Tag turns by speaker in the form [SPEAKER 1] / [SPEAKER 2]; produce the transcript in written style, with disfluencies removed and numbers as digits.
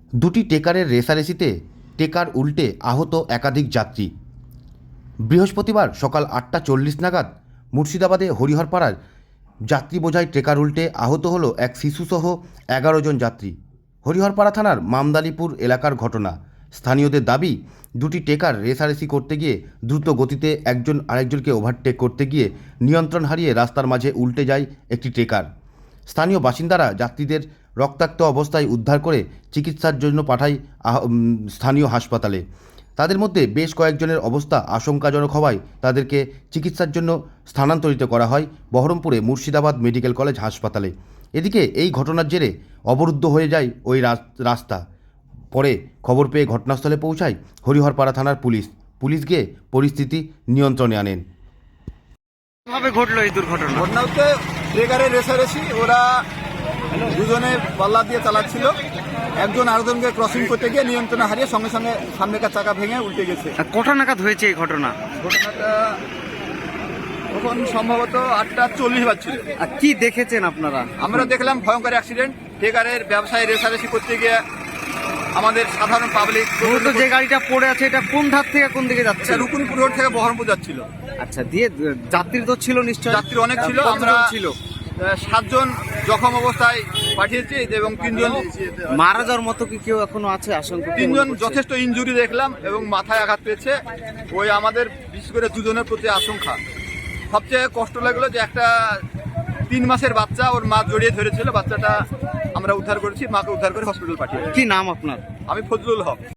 [SPEAKER 1] দুটি টেকারের রেষারেষিতে টেকার উল্টে আহত একাধিক যাত্রী। বৃহস্পতিবার সকাল 8:40 নাগাদ মুর্শিদাবাদে হরিহরপাড়ার যাত্রী বোঝাই ট্রেকার উল্টে আহত হল এক শিশুসহ 11 জন যাত্রী। হরিহরপাড়া থানার মামদালিপুর এলাকার ঘটনা। স্থানীয়দের দাবি, দুটি টেকার রেষারেষি করতে গিয়ে দ্রুত গতিতে একজন আরেকজনকে ওভারটেক করতে গিয়ে নিয়ন্ত্রণ হারিয়ে রাস্তার মাঝে উল্টে যায় একটি ট্রেকার। স্থানীয় বাসিন্দারা যাত্রীদের রক্তাক্ত অবস্থায় উদ্ধার করে চিকিৎসার জন্য পাঠায় স্থানীয় হাসপাতালে। তাদের মধ্যে বেশ কয়েকজনের অবস্থা আশঙ্কাজনক হওয়ায় তাদেরকে চিকিৎসার জন্য স্থানান্তরিত করা হয় বহরমপুরে মুর্শিদাবাদ মেডিকেল কলেজ হাসপাতালে। এদিকে এই ঘটনার জেরে অবরুদ্ধ হয়ে যায় ওই রাস্তা। পরে খবর পেয়ে ঘটনাস্থলে পৌঁছায় হরিহরপাড়া থানার পুলিশ গিয়ে পরিস্থিতি নিয়ন্ত্রণে আনেন।
[SPEAKER 2] কিভাবে ঘটলো এই দুর্ঘটনা?
[SPEAKER 3] ঘটনা হচ্ছে ট্রেকারের রেষারেষি। ওরা দুজনে পাল্লা দিয়ে চালাচ্ছিল, একজন আরেকজনকে ক্রসিং করতে গিয়ে নিয়ন্ত্রণ হারিয়ে সঙ্গে সঙ্গে সামনেকার চাকা ভেঙে উল্টে গেছে।
[SPEAKER 2] আর কটা নাগাদ হয়েছে এই ঘটনা?
[SPEAKER 3] ঘটনাটা তখন সম্ভবত 8:40 বাজছিল।
[SPEAKER 2] আর কি দেখেছেন আপনারা?
[SPEAKER 3] আমরা দেখলাম ভয়ঙ্কর অ্যাক্সিডেন্ট। ট্রেকারের ব্যবসায়ী রেষারেষি করতে গিয়ে আমাদের সাধারণ পাবলিক।
[SPEAKER 2] মূলত যে গাড়িটা পড়ে আছে এটা কোন ধার থেকে কোন দিকে যাচ্ছে?
[SPEAKER 3] রুকুনপুর রোড থেকে বহরমপুর যাচ্ছিল।
[SPEAKER 2] আচ্ছা, দিয়ে যাত্রী তো ছিল নিশ্চয়ই?
[SPEAKER 3] যাত্রী অনেক ছিল। আমরা 7 জন জখম অবস্থায় পাঠিয়েছি এবং 3 জন
[SPEAKER 2] মারা যাওয়ার মতো কি কেউ এখনো আছে আশঙ্কা?
[SPEAKER 3] 3 জন যথেষ্ট ইনজুরি দেখলাম এবং মাথায় আঘাত পেয়েছে। ওই আমাদের বিশেষ করে 2 জনের প্রতি আশঙ্কা। সবচেয়ে কষ্ট লাগলো যে একটা 3 মাসের বাচ্চা, ওর মা জড়িয়ে ধরেছিল। বাচ্চাটা আমরা উদ্ধার করেছি, মাকে উদ্ধার করে হসপিটাল পাঠিয়েছি।
[SPEAKER 2] কি নাম আপনার?
[SPEAKER 3] আমি ফজলুল হক।